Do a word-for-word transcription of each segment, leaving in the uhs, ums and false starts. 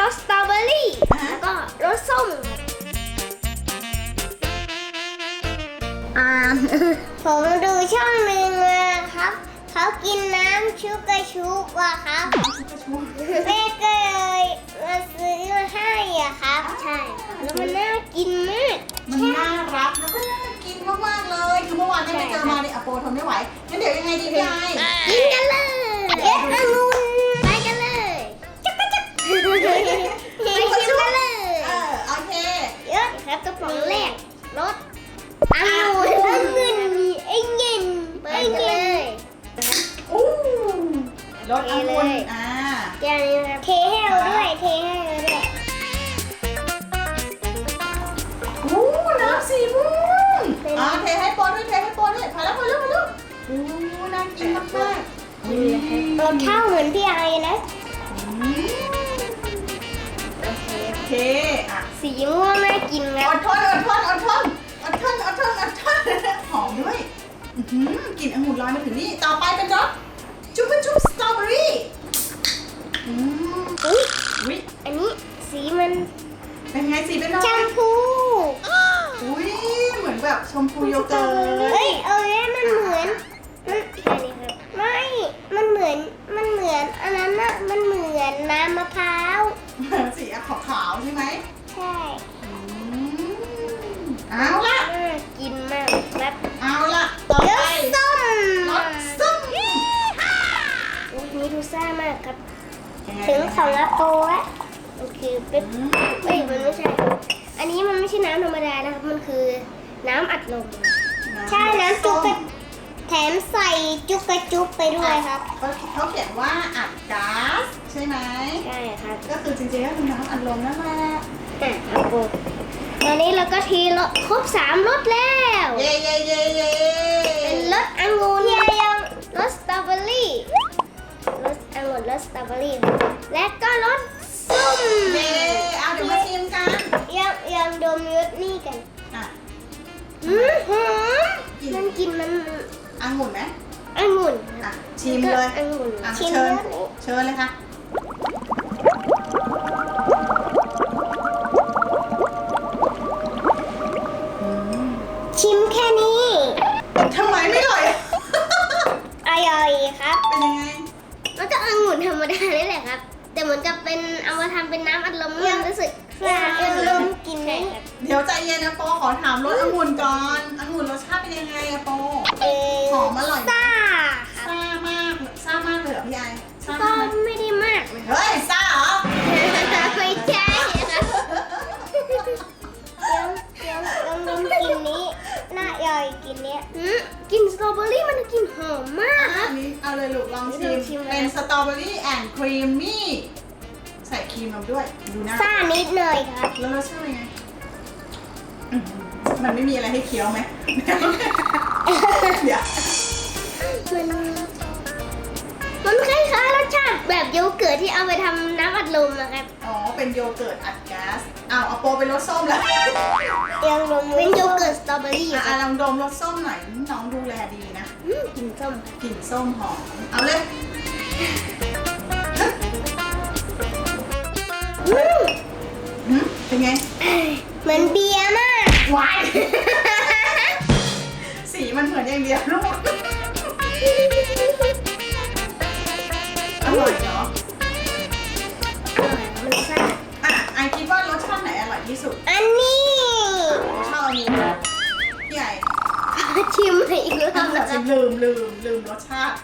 สสตรอเบอรี่แล้วก็รสส้มอ่าผมดูช่องหนึ่งมาครับเขากินน้ำชุกกระชุกว่ะครับแม่ก็เลยมาซื้อมาให้อ่ะครับใช่แล้วมันน่ากินมากมันน่ารักแล้วก็น่ากินมากๆเลยคือเมื่อวานเนี่ยไปเจอมาในอโปทนไม่ไหวงั้นเดี๋ยวยังไงดีพี่ไอกินกันเลยเอ๊ะองุ่นไปกันเลยจักรจักไปชิมกันเลยเออโอเคเยอะครับกระป๋องแรกรสองุ่นองุ่นมีไอ้เงินไปกันเลยอู้รสองุ่นอ่าเดี๋ยวเทให้เราด้วยเทให้เราด้วยอู้น้ำสีม่วงอ่าเทให้โปด้วยเทให้โปด้วยพอแล้วพอแล้วพอแล้วอู้น่ากินมากมากรสข้าวเหมือนพี่ไอนะโอเคอ่ะสีม่วงน่ากินนะอดทนอดทนอดทนอดทนอดทนอดทนหอมด้วยกลิ่นองุ่นลอยมาถึงนี่ต่อไปเป็นรสจุ๊บจุ๊บสตรอเบอรี่อืมอุ้ยอันนี้สีมันเป็นไงสีเป็นอะไรชมพูอุ้ยเหมือนแบบชมพูโยเกิร์ตเฮ้ยเออมันเหมือนมันอะไรครับไม่มันเหมือนมันเหมือนอันนั้นน่ะมันเหมือนน้ำมะพร้าวสีขาวๆใช่ไหมใช่เอาละกินมากแบบเอาละต่อไปส้มรสส้มอุ้ยนี่ดูซ่ามากครับถึงของอาโปะโอเคเป็นเฮ้ยมันไม่ใช่อันนี้มันไม่ใช่น้ำธรรมดานะครับมันคือน้ำอัดลมใช่น้ำจุกกระแถมใส่จุกกระจุกไปด้วยครับเขาเขียนว่าอัดก๊าซใช่ไหมใช่ครับก็คือจริงๆก็คือน้ำอัดลมนั่นแหละอ่ะอาโปตอนนี้เราก็ทีรสครบสามรสแล้วเย้เย้เย้เย้เป็นรสองุ่นยังรสสตรอเบอรี่รสองุ่นรสสตรอเบอรี่และก็รสส้มเย้เอาเดี๋ยวมาชิมกันยังยังดมรสนี่กันอ่ะอืมหอมมันกินมันองุ่นไหมองุ่นอ่ะชิมเลยองุ่นเชิญเชิญเลยค่ะชิมแค่นี้ทำไมไม่อร่อยอร่อยครับเป็นยังไงมันก็องุ่นธรรมดานี่แหละครับแต่เหมือนกับเป็นเอามาทำเป็นน้ำอัดลมมันรู้สึกอัดลมกินได้เดี๋ยวใจเย็นนะโปขอถามรสองุ่นก่อนองุ่นรสชาติเป็นยังไงอะโปหอมอร่อยซ่าซ่ามากซ่ามากเลยเหรอพี่ไอซ่าไม่ได้มากเฮ้ยซ่าเหรอไม่ใช่ครับยังยังยังดมกลิ่นนี้น่าย่อยกลิ่นนี้กินสตรอเบอรี่มันกินหอมมากครับเอาเลยลูกลองชิมเป็นสตรอเบอรี่แอนด์ครีมมี่ใส่ครีมลงด้วยดูนะซ่านิดหน่อยครับแล้วรสชาติไงมันไม่มีอะไรให้เคี้ยวไหมเดี๋ยวมันมันคล้ายๆรสชาติแบบโยเกิร์ตที่เอาไปทำน้ำอัดลมนะครับอ๋อเป็นโยเกิร์ตอัดก๊าซอ้าวเอาโปเป็นรสส้มแล้วยังดมเป็นโยเกิร์ตสตรอเบอรี่อ่ะลองดมรสส้มหน่อยน้องดูแลดีนะกลิ่นส้มกลิ่นส้มหอมเอาเลยเป็นไงเหมือนเบียร์มากวายสีมันเหมือนอย่างเดียวลูกอร่อยเนาะอร่อยมันซ่าอ่ะไอคิดว่ารสชาติไหนอร่อยที่สุดอันนี้ชอบอันนี้พี่ไอชิมอีกรอบแล้วลืมลืมลืมรสชาติ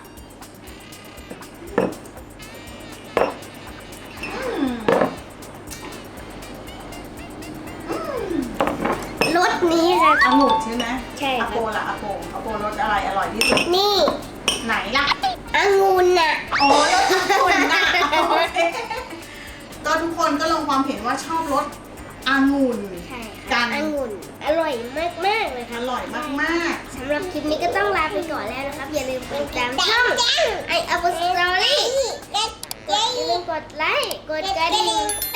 รสนี้ค่ะองุ่นใช่ไหมใช่ค่ะอโปล่ะอโปอโปรสอะไรอร่อยที่สุดนี่ไหนล่ะองุ่นน่ะอ๋อรสองุ่นน่ะก็ทุกคนก็ลงความเห็นว่าชอบรสองุ่นกันองุ่นอร่อยมากมากเลยค่ะอร่อยมากมากสำหรับคลิปนี้ก็ต้องลาไปก่อนแล้วนะครับอย่าลืมกดติดตามช่องไออัพสตอรี่อย่าลืมกดไลค์กดกระดิ่ง